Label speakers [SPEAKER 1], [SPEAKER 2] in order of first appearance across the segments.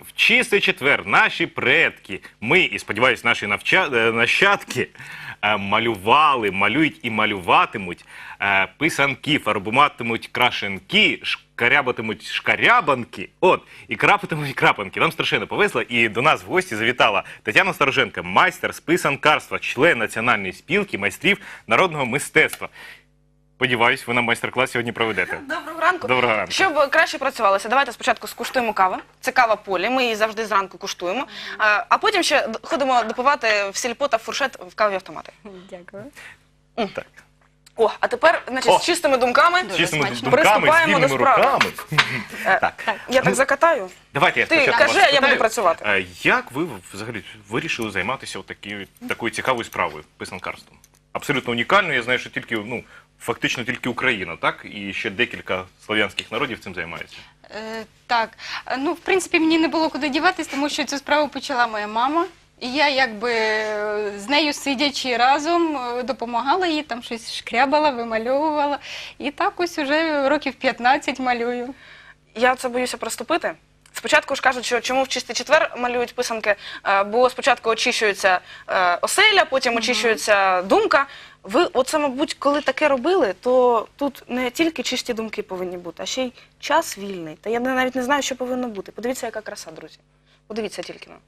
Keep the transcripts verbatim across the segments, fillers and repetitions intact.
[SPEAKER 1] в чистий четвер наші предки, ми і, сподіваюся, наші навча... е, нащадки е, малювали, малюють і малюватимуть е, писанки, фарбуватимуть крашенки, шкарябатимуть шкарябанки, от, і крапатимуть крапанки. Нам страшенно повезло, і до нас в гості завітала Тетяна Староженко, майстер з писанкарства, член Національної спілки майстрів народного мистецтва. Сподіваюсь, ви нам майстер-клас сьогодні проведете.
[SPEAKER 2] Доброго ранку.
[SPEAKER 1] Доброго ранку.
[SPEAKER 2] Щоб краще працювалося, давайте спочатку скуштуємо каву. Це кава Полі, ми її завжди зранку куштуємо. А, а потім ще ходимо допивати в сільпо та в фуршет в кавові автомати.
[SPEAKER 3] Дякую.
[SPEAKER 1] Так.
[SPEAKER 2] О, а тепер, значить,
[SPEAKER 1] О!
[SPEAKER 2] з чистими думками
[SPEAKER 1] З чистими
[SPEAKER 3] смачно.
[SPEAKER 1] думками, з
[SPEAKER 2] Приступаємо до
[SPEAKER 1] вільними
[SPEAKER 2] справи.
[SPEAKER 1] руками.
[SPEAKER 2] Е,
[SPEAKER 1] Так.
[SPEAKER 2] Я так закатаю.
[SPEAKER 1] Давайте я
[SPEAKER 2] Ти
[SPEAKER 1] спочатку
[SPEAKER 2] кажи,
[SPEAKER 1] вас
[SPEAKER 2] а я буду
[SPEAKER 1] спитаю,
[SPEAKER 2] працювати.
[SPEAKER 1] е, Як ви взагалі вирішили займатися отакі- такою цікавою справою, писанкарством? Абсолютно унікальною, я знаю, що тільки, ну, фактично тільки Україна, так? І ще декілька слов'янських народів цим займаються.
[SPEAKER 3] Е, так, Е, ну, в принципі, мені не було куди діватись, тому що цю справу почала моя мама. І я, якби, е, з нею сидячи разом, е, допомагала їй, там щось шкрябала, вимальовувала. І так ось уже років п'ятнадцять малюю.
[SPEAKER 2] Я це боюся приступити. Спочатку ж кажуть, що чому в чистий четвер малюють писанки, е, бо спочатку очищується е, оселя, потім очищується думка. Ви, оце, мабуть, коли таке робили, то тут не тільки чисті думки повинні бути, а ще й час вільний. Та я навіть не знаю, що повинно бути. Подивіться, яка краса, друзі. Подивіться тільки на.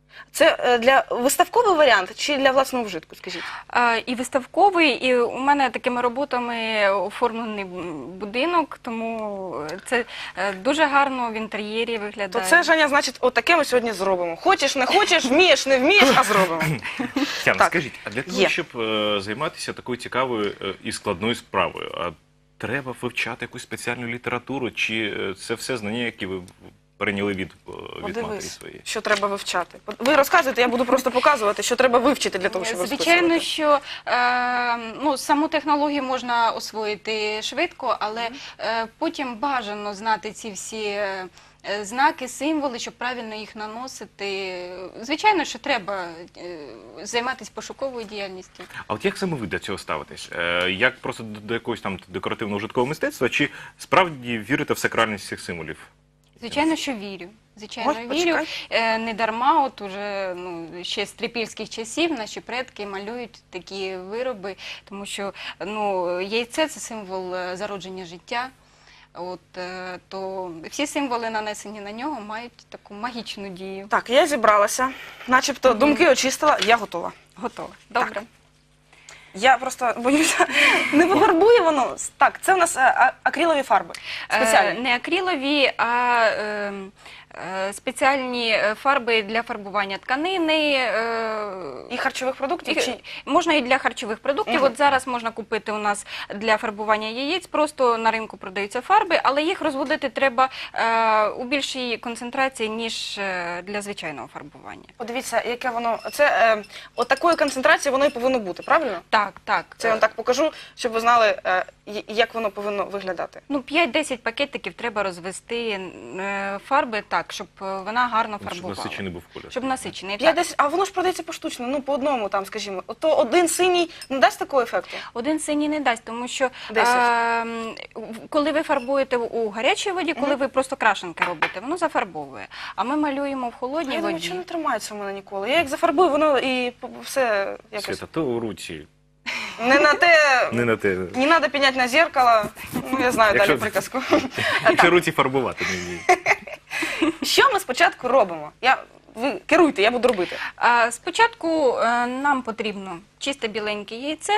[SPEAKER 2] Це е, для виставковий варіант чи для власного вжитку, скажіть?
[SPEAKER 3] Е, І виставковий, і у мене такими роботами оформлений будинок, тому це е, дуже гарно в інтер'єрі
[SPEAKER 2] То
[SPEAKER 3] виглядає.
[SPEAKER 2] це, Женя, значить, отаке ми сьогодні зробимо. Хочеш, не хочеш, вмієш, не вмієш, а зробимо.
[SPEAKER 1] Тетяна,
[SPEAKER 2] Так.
[SPEAKER 1] скажіть, а для того,
[SPEAKER 2] Є.
[SPEAKER 1] щоб е, займатися такою цікавою е, і складною справою, а треба вивчати якусь спеціальну літературу, чи е, це все знання, які ви перейняли від, е, від матері
[SPEAKER 2] Подивись,
[SPEAKER 1] своєї?
[SPEAKER 2] що треба вивчати. Ви розказуєте, я буду просто показувати, що треба вивчити для того, щоб
[SPEAKER 3] Звичайно,
[SPEAKER 2] розписувати.
[SPEAKER 3] що е, ну, саму технологію можна освоїти швидко, але е, потім бажано знати ці всі е, е, знаки, символи, щоб правильно їх наносити. Звичайно, що треба е, займатися пошуковою діяльністю.
[SPEAKER 1] А от як саме ви до цього ставитесь? Е, як просто до, до якогось там декоративного житкового мистецтва, чи справді вірите в сакральність цих символів?
[SPEAKER 3] Звичайно, що вірю. Звичайно,
[SPEAKER 2] Ой,
[SPEAKER 3] вірю.
[SPEAKER 2] почекай.
[SPEAKER 3] Е, не дарма, от уже ну, ще з трипільських часів наші предки малюють такі вироби, тому що ну, яйце – це символ е, зародження життя. От, е, то всі символи, нанесені на нього, мають таку магічну дію.
[SPEAKER 2] Так, я зібралася, начебто думки очистила, я готова.
[SPEAKER 3] Готово. Добре.
[SPEAKER 2] Так. Я просто боюся, не пофарбує воно. Так, це у нас е, а- акрилові фарби.
[SPEAKER 3] Е,
[SPEAKER 2] Спеціальні.
[SPEAKER 3] не акрилові, а е, е, спеціальні е, фарби для фарбування тканини. Е,
[SPEAKER 2] І харчових продуктів?
[SPEAKER 3] І-
[SPEAKER 2] Чи...
[SPEAKER 3] Можна і для харчових продуктів.
[SPEAKER 2] Мгм.
[SPEAKER 3] От зараз можна купити у нас для фарбування яєць, просто на ринку продаються фарби, але їх розводити треба е, у більшій концентрації, ніж е, для звичайного фарбування.
[SPEAKER 2] Подивіться, яке воно. Це е, от такої концентрації воно і повинно бути, правильно?
[SPEAKER 3] Так, так.
[SPEAKER 2] Це я вам так покажу, щоб ви знали, е, y- як воно повинно виглядати.
[SPEAKER 3] Ну, п'ять-десять пакетиків треба розвести е, фарби так, щоб е, вона гарно
[SPEAKER 1] Щоб
[SPEAKER 3] фарбувала.
[SPEAKER 1] насичений був колір.
[SPEAKER 3] Щоб насичений.
[SPEAKER 2] Я
[SPEAKER 3] Так.
[SPEAKER 2] десь, а воно ж продається поштучно, ну по одному там, скажімо. То один синій не дасть такого ефекту?
[SPEAKER 3] Один синій не дасть, тому що
[SPEAKER 2] Десять.
[SPEAKER 3] е, м, коли ви фарбуєте у гарячій воді, коли ви просто крашенки робите, воно зафарбовує. А ми малюємо в
[SPEAKER 2] А
[SPEAKER 3] холодній
[SPEAKER 2] я думаю,
[SPEAKER 3] воді.
[SPEAKER 2] що не тримається у мене ніколи. Я як зафарбую, воно і п- все якось.
[SPEAKER 1] Свята, то у руці.
[SPEAKER 2] Не на те,
[SPEAKER 1] Не на те.
[SPEAKER 2] не треба піняти на зеркало. Ну, я знаю
[SPEAKER 1] Якщо-
[SPEAKER 2] далі приказку.
[SPEAKER 1] Якщо руці фарбувати не вміють.
[SPEAKER 2] Що ми спочатку робимо? Я, ви керуйте, я буду робити.
[SPEAKER 3] А, Спочатку е, нам потрібно чисте біленьке яйце,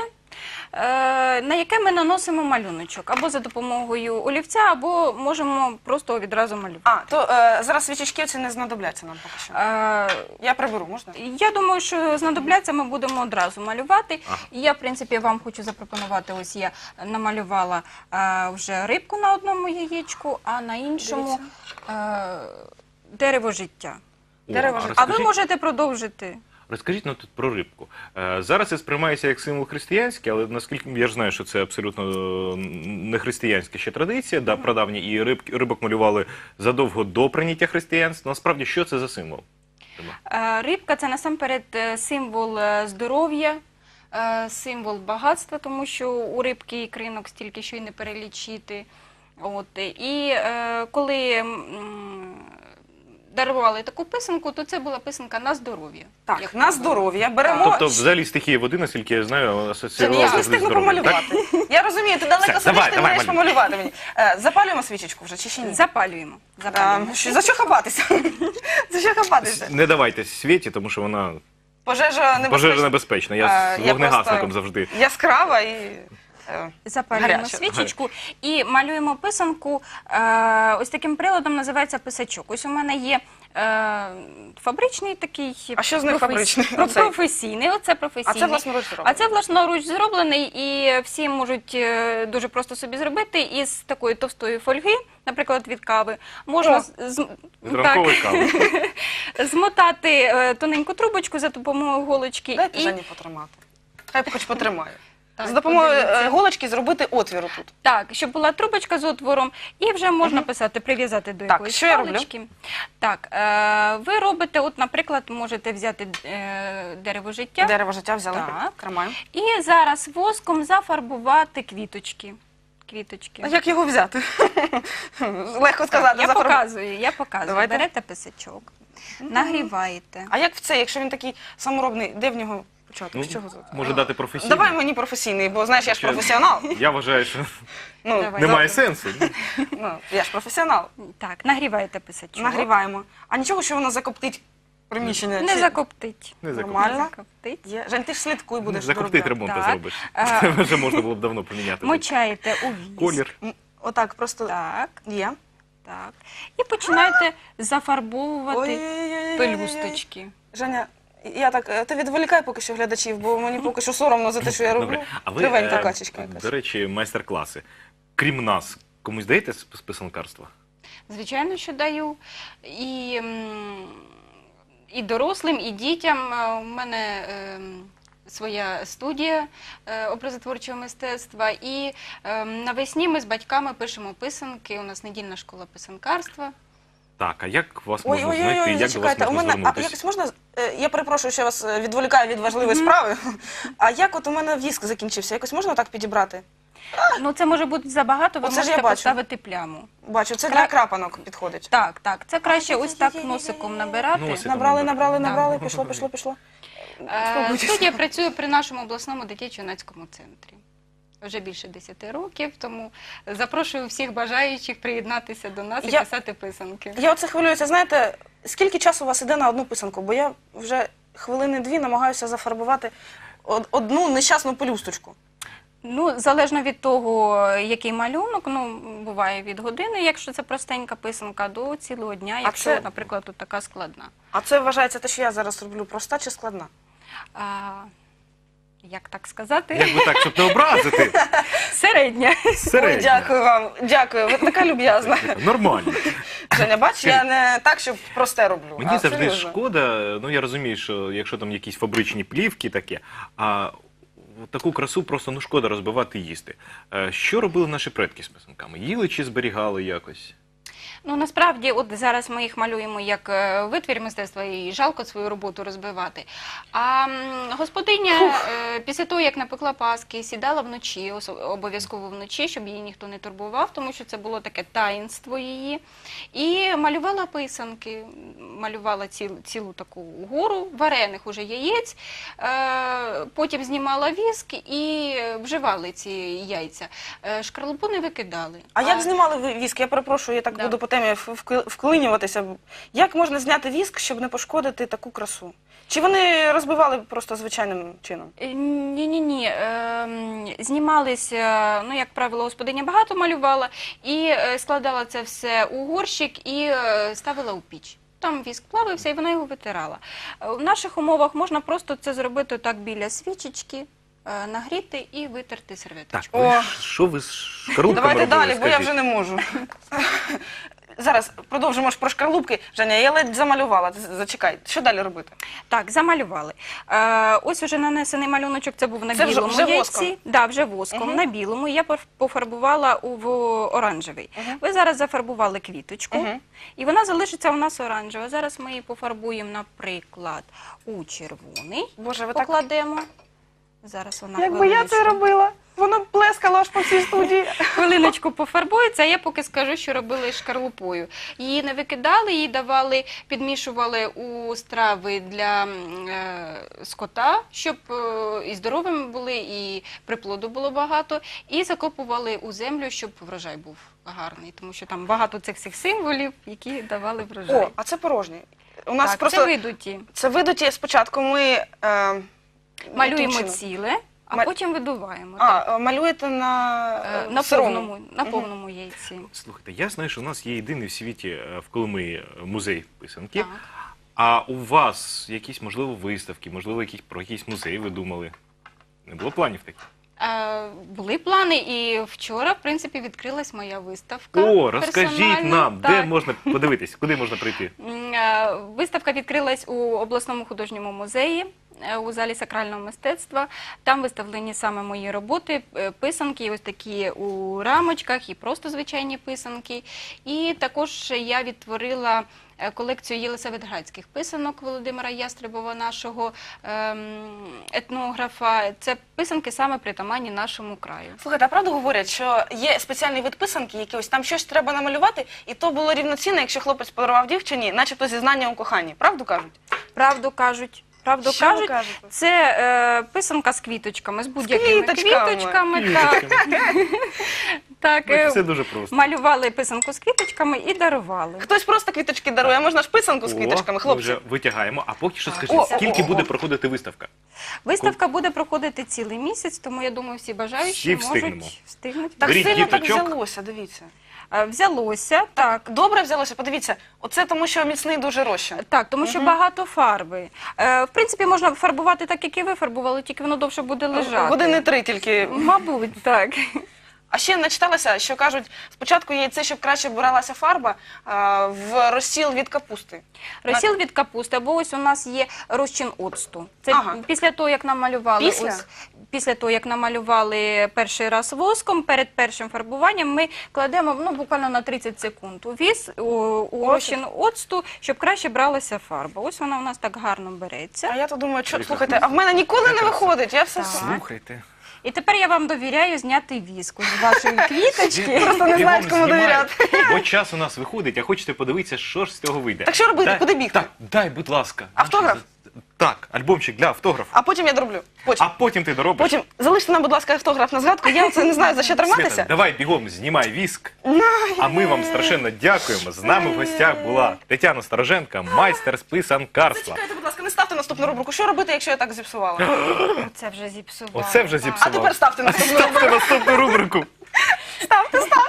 [SPEAKER 3] е, на яке ми наносимо малюночок або за допомогою олівця, або можемо просто відразу малювати.
[SPEAKER 2] А, то е, зараз свічечки ці не знадобляться нам поки що.
[SPEAKER 3] Е,
[SPEAKER 2] Я приберу, можна?
[SPEAKER 3] Я думаю, що знадобляться, ми будемо одразу малювати.
[SPEAKER 1] Ага.
[SPEAKER 3] І я, в принципі, вам хочу запропонувати, ось я намалювала е, вже рибку на одному яєчку, а на іншому е, дерево життя.
[SPEAKER 2] Дерево
[SPEAKER 1] О,
[SPEAKER 2] життя.
[SPEAKER 3] А ви
[SPEAKER 1] розкажіть-
[SPEAKER 3] можете продовжити.
[SPEAKER 1] Розкажіть ну, тут про рибку. Е, Зараз це сприймається як символ християнський, але наскільки я ж знаю, що це абсолютно е, не християнська ще традиція, да, прадавня, і риб, рибок малювали задовго до прийняття християнства. Насправді, що це за символ?
[SPEAKER 3] Е, Рибка – це насамперед е, символ е, здоров'я, е, символ багатства, тому що у рибки ікринок стільки, що й не перелічити. От. І е, коли м, дарували таку писанку, то це була писанка на здоров'я.
[SPEAKER 2] Так,
[SPEAKER 3] Як
[SPEAKER 2] на
[SPEAKER 3] ми
[SPEAKER 2] здоров'я беремо.
[SPEAKER 1] Тобто, взагалі, стихія води, наскільки я знаю,
[SPEAKER 2] Це не
[SPEAKER 1] асоціювала
[SPEAKER 2] я ж не
[SPEAKER 1] завжди з
[SPEAKER 2] встигну
[SPEAKER 1] здоров'ям, так?
[SPEAKER 2] помалювати. Я розумію, ти далеко
[SPEAKER 1] Все,
[SPEAKER 2] сидиш,
[SPEAKER 1] давай,
[SPEAKER 2] ти
[SPEAKER 1] давай,
[SPEAKER 2] маєш
[SPEAKER 1] малюй.
[SPEAKER 2] помалювати мені. Е, Запалюємо свічечку вже чи ще ні?
[SPEAKER 3] Запалюємо.
[SPEAKER 2] А,
[SPEAKER 3] Запалюємо.
[SPEAKER 2] що- за що хапатися? За що хапатися?
[SPEAKER 1] Не давайте світі, тому що вона
[SPEAKER 2] Пожежа небезпечна.
[SPEAKER 1] пожежа небезпечна. Я
[SPEAKER 2] А,
[SPEAKER 1] з
[SPEAKER 2] я
[SPEAKER 1] вогнегасником
[SPEAKER 2] просто-
[SPEAKER 1] завжди.
[SPEAKER 2] Яскрава і... е,
[SPEAKER 3] Запалюємо
[SPEAKER 2] Гаряче.
[SPEAKER 3] свічечку і малюємо писанку. Е, ось таким приладом називається писачок. Ось у мене є е, фабричний такий.
[SPEAKER 2] А що з них
[SPEAKER 3] професі-
[SPEAKER 2] фабричний?
[SPEAKER 3] про-
[SPEAKER 2] Оцей?
[SPEAKER 3] Професійний. Оце
[SPEAKER 2] А
[SPEAKER 3] професійний.
[SPEAKER 2] це власноруч зроблено?
[SPEAKER 3] А це власноруч зроблений, і всі можуть е, дуже просто собі зробити із такої товстої фольги, наприклад, від кави. Можна
[SPEAKER 2] О,
[SPEAKER 3] з- з-
[SPEAKER 1] З ранкової кави.
[SPEAKER 3] змотати е, тоненьку трубочку за допомогою голочки.
[SPEAKER 2] Дайте
[SPEAKER 3] і...
[SPEAKER 2] Жені потримати. Хай хоч потримає.
[SPEAKER 3] Так,
[SPEAKER 2] З допомогою
[SPEAKER 3] подивіться.
[SPEAKER 2] е, голочки зробити отвір тут.
[SPEAKER 3] Так, щоб була трубочка з отвором, і вже можна писати, прив'язати до
[SPEAKER 2] Так,
[SPEAKER 3] якоїсь
[SPEAKER 2] що я роблю?
[SPEAKER 3] палички. Так, е, ви робите, от, наприклад, можете взяти е, дерево життя
[SPEAKER 2] Дерево життя взяли.
[SPEAKER 3] Так.
[SPEAKER 2] Тримаємо.
[SPEAKER 3] і зараз воском зафарбувати квіточки. Квіточки.
[SPEAKER 2] А як його взяти? Легко сказати.
[SPEAKER 3] я
[SPEAKER 2] зафарбувати.
[SPEAKER 3] показую, я показую.
[SPEAKER 2] Давайте.
[SPEAKER 3] Берете писачок, нагріваєте.
[SPEAKER 2] А як в це, якщо він такий саморобний, де в нього почати?
[SPEAKER 1] Ну,
[SPEAKER 2] З чого звати?
[SPEAKER 1] може дати професійно.
[SPEAKER 2] Давай мені професійний, бо знаєш, я ж
[SPEAKER 1] Що?
[SPEAKER 2] професіонал.
[SPEAKER 1] Я вважаю, що
[SPEAKER 2] Ну,
[SPEAKER 3] Давай.
[SPEAKER 1] немає сенсу.
[SPEAKER 2] ну, я ж професіонал.
[SPEAKER 3] Так, нагріваєте писачок.
[SPEAKER 2] Нагріваємо. А нічого, що воно закоптить приміщення?
[SPEAKER 3] Не
[SPEAKER 2] Чи-
[SPEAKER 3] закоптить.
[SPEAKER 1] Не
[SPEAKER 2] Нормально.
[SPEAKER 3] Не закоптить.
[SPEAKER 2] Є. Жень, ти ж слідкуй будеш.
[SPEAKER 1] Закоптить
[SPEAKER 2] доробляти.
[SPEAKER 1] ремонт
[SPEAKER 3] Так.
[SPEAKER 1] зробиш.
[SPEAKER 3] А,
[SPEAKER 1] Це вже можна було б давно поміняти.
[SPEAKER 3] Мочаєте у віск.
[SPEAKER 1] Колір.
[SPEAKER 2] М, Отак, просто
[SPEAKER 3] Так.
[SPEAKER 2] є.
[SPEAKER 3] Так. І починаєте зафарбовувати
[SPEAKER 2] Ой-ой-ой-ой-ой-ой.
[SPEAKER 3] пелюсточки.
[SPEAKER 2] Женя, я так, е, ти відволікай поки що глядачів, бо мені поки що соромно за те, що я роблю.
[SPEAKER 1] Добре. А ви,
[SPEAKER 2] Кривенька
[SPEAKER 1] е,
[SPEAKER 2] качечка якась.
[SPEAKER 1] до речі, майстер-класи. Крім нас, комусь даєте з з писанкарства?
[SPEAKER 3] Звичайно, що даю. І, м, і дорослим, і дітям. Е, У мене ем, своя студія е, образотворчого мистецтва. І ем, навесні ми з батьками пишемо писанки. У нас недільна школа писанкарства.
[SPEAKER 1] Так, а як вас
[SPEAKER 2] Ой,
[SPEAKER 1] можна
[SPEAKER 2] ой, ой,
[SPEAKER 1] знайти?
[SPEAKER 2] ой,
[SPEAKER 1] Як до вас
[SPEAKER 2] зачекайте, у
[SPEAKER 1] можна
[SPEAKER 2] мене, а
[SPEAKER 1] звернутися?
[SPEAKER 2] якось можна, е, я перепрошую, що я вас е, відволікаю від важливої справи, а як от у мене віск закінчився, якось можна так підібрати?
[SPEAKER 3] Ну, це може бути забагато, ви
[SPEAKER 2] Оце ж я
[SPEAKER 3] можете
[SPEAKER 2] бачу.
[SPEAKER 3] поставити пляму.
[SPEAKER 2] Бачу, це
[SPEAKER 3] Кра-
[SPEAKER 2] для крапанок підходить.
[SPEAKER 3] Так, так. Це краще ось так носиком набирати.
[SPEAKER 1] Носиком.
[SPEAKER 2] Набрали, набрали,
[SPEAKER 3] Да.
[SPEAKER 2] набрали, пішло, пішло, пішло.
[SPEAKER 3] Е,
[SPEAKER 2] Спокойтесь.
[SPEAKER 3] Студія працює при нашому обласному дитячо-юнацькому центрі. Вже більше десяти років, тому запрошую всіх бажаючих приєднатися до нас і
[SPEAKER 2] Я-
[SPEAKER 3] писати писанки.
[SPEAKER 2] Я оце хвилююся, знаєте, скільки часу у вас іде на одну писанку? Бо я вже хвилини-дві намагаюся зафарбувати од- одну нещасну пелюсточку.
[SPEAKER 3] Ну, залежно від того, який малюнок, ну, буває від години, якщо це простенька писанка, до цілого дня, якщо,
[SPEAKER 2] це-
[SPEAKER 3] наприклад, тут така складна.
[SPEAKER 2] А це вважається те, що я зараз роблю, проста чи складна?
[SPEAKER 3] А, як так сказати?
[SPEAKER 1] Як би так, щоб не образити?
[SPEAKER 3] Середня.
[SPEAKER 2] Ой,
[SPEAKER 1] Середньо.
[SPEAKER 2] дякую вам, дякую, ви така люб'язна.
[SPEAKER 1] Нормально.
[SPEAKER 2] Женя, бач, я не так, щоб просте роблю.
[SPEAKER 1] Мені
[SPEAKER 2] а
[SPEAKER 1] завжди
[SPEAKER 2] серйозно.
[SPEAKER 1] шкода, ну я розумію, що якщо там якісь фабричні плівки таке, а от таку красу просто ну шкода розбивати і їсти. Е, Що робили наші предки з писанками? Їли чи зберігали якось?
[SPEAKER 3] Ну, насправді, от зараз ми їх малюємо як е, витвір мистецтва і жалко свою роботу розбивати. А м, господиня е, після того, як напекла паски, сідала вночі, осо- обов'язково вночі, щоб її ніхто не турбував, тому що це було таке таїнство її. І малювала писанки, малювала ціл, цілу таку гору варених уже яєць, е, потім знімала віск і вживали ці яйця. Е, шкарлупу не викидали.
[SPEAKER 2] А як знімали ви віск? Я перепрошую, я так
[SPEAKER 3] Да.
[SPEAKER 2] буду по темі в- вкли- вклинюватися. Як можна зняти віск, щоб не пошкодити таку красу? Чи вони розбивали просто звичайним чином?
[SPEAKER 3] Ні-ні-ні, знімалися, ну, як правило, господиня багато малювала, і е, складала це все у горщик і е, ставила у піч. Там віск плавився, і вона його витирала. Е, В наших умовах можна просто це зробити так біля свічечки, е, нагріти і витерти
[SPEAKER 1] Так,
[SPEAKER 3] серветочку.
[SPEAKER 1] ви
[SPEAKER 2] О.
[SPEAKER 1] ж- що ви з шкарлупками
[SPEAKER 2] Давайте
[SPEAKER 1] робили,
[SPEAKER 2] далі, бо я
[SPEAKER 1] скажіть?
[SPEAKER 2] вже не можу. Зараз продовжимо ж про шкарлупки. Женя, я ледь замалювала. Зачекай, що далі робити?
[SPEAKER 3] Так, замалювали. Е, ось уже нанесений малюночок, це був на
[SPEAKER 2] Це вже-
[SPEAKER 3] білому
[SPEAKER 2] вже
[SPEAKER 3] яйці.
[SPEAKER 2] воском?
[SPEAKER 3] Да, вже воском,
[SPEAKER 2] Мгм.
[SPEAKER 3] на білому. Я поф- пофарбувала у в оранжевий.
[SPEAKER 2] Мгм.
[SPEAKER 3] Ви зараз зафарбували квіточку,
[SPEAKER 2] Мгм.
[SPEAKER 3] і вона залишиться у нас оранжева. Зараз ми її пофарбуємо, наприклад, у червоний.
[SPEAKER 2] Боже, ви так...
[SPEAKER 3] Покладемо. Зараз вона
[SPEAKER 2] Якби я це
[SPEAKER 3] хвилиночку.
[SPEAKER 2] робила. Воно плескало аж по всій студії.
[SPEAKER 3] Хвилиночку пофарбується, а я поки скажу, що робили з шкарлупою. Її не викидали, її давали, підмішували у страви для м, е, скота, щоб е, і здоровими були, і приплоду було багато, і закопували у землю, щоб врожай був гарний, тому що там багато цих всіх символів, які давали врожай.
[SPEAKER 2] О, а це порожні. У нас
[SPEAKER 3] так,
[SPEAKER 2] просто
[SPEAKER 3] це видуті.
[SPEAKER 2] це видуті. Спочатку ми е,
[SPEAKER 3] Малюємо
[SPEAKER 2] яким чином?
[SPEAKER 3] ціле, а
[SPEAKER 2] Ма-
[SPEAKER 3] потім видуваємо. так.
[SPEAKER 2] А, е, малюєте на,
[SPEAKER 3] Е,
[SPEAKER 2] е,
[SPEAKER 3] на
[SPEAKER 2] сирому?
[SPEAKER 3] повному, на
[SPEAKER 2] Мгм.
[SPEAKER 3] повному яйці.
[SPEAKER 1] Слухайте, я знаю, що у нас є єдиний в світі е, в Коломиї музей писанки.
[SPEAKER 3] Так.
[SPEAKER 1] А у вас якісь, можливо, виставки, можливо, якісь, про якийсь музей ви думали? Не було планів таких?
[SPEAKER 3] Е, Були плани, і вчора, в принципі, відкрилась моя виставка.
[SPEAKER 1] О, розкажіть
[SPEAKER 3] персональна.
[SPEAKER 1] нам, де
[SPEAKER 3] Так.
[SPEAKER 1] можна подивитись, куди можна прийти?
[SPEAKER 3] М, е, Виставка відкрилась у обласному художньому музеї е, у залі сакрального мистецтва. Там виставлені саме мої роботи, е, писанки, ось такі у рамочках і просто звичайні писанки. І також я відтворила е, колекцію єлисаветградських писанок Володимира Ястребова, нашого ем, етнографа. Це писанки саме притаманні нашому краю.
[SPEAKER 2] Слухайте, а правду говорять, що є спеціальний вид писанки, який ось там щось треба намалювати, і то було рівноцінно, якщо хлопець подарував дівчині, начебто зізнання у коханні. Правду кажуть?
[SPEAKER 3] Правду кажуть. Правду
[SPEAKER 2] Що ви
[SPEAKER 3] кажуть,
[SPEAKER 2] кажете?
[SPEAKER 3] це е, писанка з квіточками, з будь-якими
[SPEAKER 2] квіточками.
[SPEAKER 3] квіточками. Так, так е,
[SPEAKER 1] Все дуже просто.
[SPEAKER 3] малювали писанку з квіточками і дарували.
[SPEAKER 2] Хтось просто квіточки дарує, а можна ж писанку з
[SPEAKER 1] О,
[SPEAKER 2] квіточками,
[SPEAKER 1] ми
[SPEAKER 2] хлопці.
[SPEAKER 1] вже витягаємо. А поки що
[SPEAKER 3] Так.
[SPEAKER 1] скажіть,
[SPEAKER 2] О,
[SPEAKER 1] скільки
[SPEAKER 2] о, о,
[SPEAKER 1] буде
[SPEAKER 2] о.
[SPEAKER 1] проходити виставка?
[SPEAKER 3] Виставка буде проходити цілий місяць, тому я думаю, всі бажаючі
[SPEAKER 1] Всі встигнемо.
[SPEAKER 3] можуть встигнути.
[SPEAKER 2] Так
[SPEAKER 1] Беріть
[SPEAKER 2] сильно так
[SPEAKER 1] діточок.
[SPEAKER 2] взялося, дивіться.
[SPEAKER 3] Е, Взялося, так.
[SPEAKER 2] Добре взялося, подивіться. Оце тому, що міцний дуже розчин.
[SPEAKER 3] Так, тому що багато фарби. Е, в принципі, можна фарбувати так, як і ви фарбували, тільки воно довше буде лежати.
[SPEAKER 2] Години три тільки.
[SPEAKER 3] Мабуть, так.
[SPEAKER 2] А ще начиталася, що кажуть, спочатку яйце, щоб краще бралася фарба, а, в розсіл від капусти.
[SPEAKER 3] Розсіл від капусти, або ось у нас є розчин оцту. Це
[SPEAKER 2] Ага.
[SPEAKER 3] після того, як намалювали
[SPEAKER 2] Після?
[SPEAKER 3] ось після того, як намалювали перший раз воском, перед першим фарбуванням ми кладемо ну, буквально на тридцять секунд у віз, у, у
[SPEAKER 2] Оцет?
[SPEAKER 3] розчин оцту, щоб краще бралася фарба. Ось вона у нас так гарно береться.
[SPEAKER 2] А я то думаю, що,
[SPEAKER 1] Прекрасно.
[SPEAKER 2] слухайте, а в мене ніколи не виходить. Я все
[SPEAKER 3] Так.
[SPEAKER 1] Слухайте.
[SPEAKER 3] І тепер я вам довіряю зняти віску з вашої квіточки.
[SPEAKER 2] Просто не знаєш, кому довіряти.
[SPEAKER 1] Бо час у нас виходить, а хочете подивитися, що ж з цього вийде.
[SPEAKER 2] Так що робити?
[SPEAKER 1] Дай-
[SPEAKER 2] Куди бігти?
[SPEAKER 1] Так, дай, будь ласка.
[SPEAKER 2] Автограф?
[SPEAKER 1] Наші- Так, альбомчик для автографа.
[SPEAKER 2] А потім я дроблю. Потім.
[SPEAKER 1] А потім ти доробиш.
[SPEAKER 2] Потім залиште нам, будь ласка, автограф на згадку. Я оце не знаю, за що
[SPEAKER 1] Свята,
[SPEAKER 2] триматися.
[SPEAKER 1] давай бігом знімай віск. А ми вам страшенно дякуємо. З нами в гостях була Тетяна Староженка, майстер з писанкарства.
[SPEAKER 2] Зачекайте, будь ласка, не ставте наступну рубрику. Що робити, якщо я так зіпсувала?
[SPEAKER 3] Оце вже зіпсувало.
[SPEAKER 1] Оце вже
[SPEAKER 3] так.
[SPEAKER 1] зіпсувало.
[SPEAKER 2] А тепер ставте наступну рубрику.
[SPEAKER 1] Ставте наступну рубрику.
[SPEAKER 2] Ставте, ставте.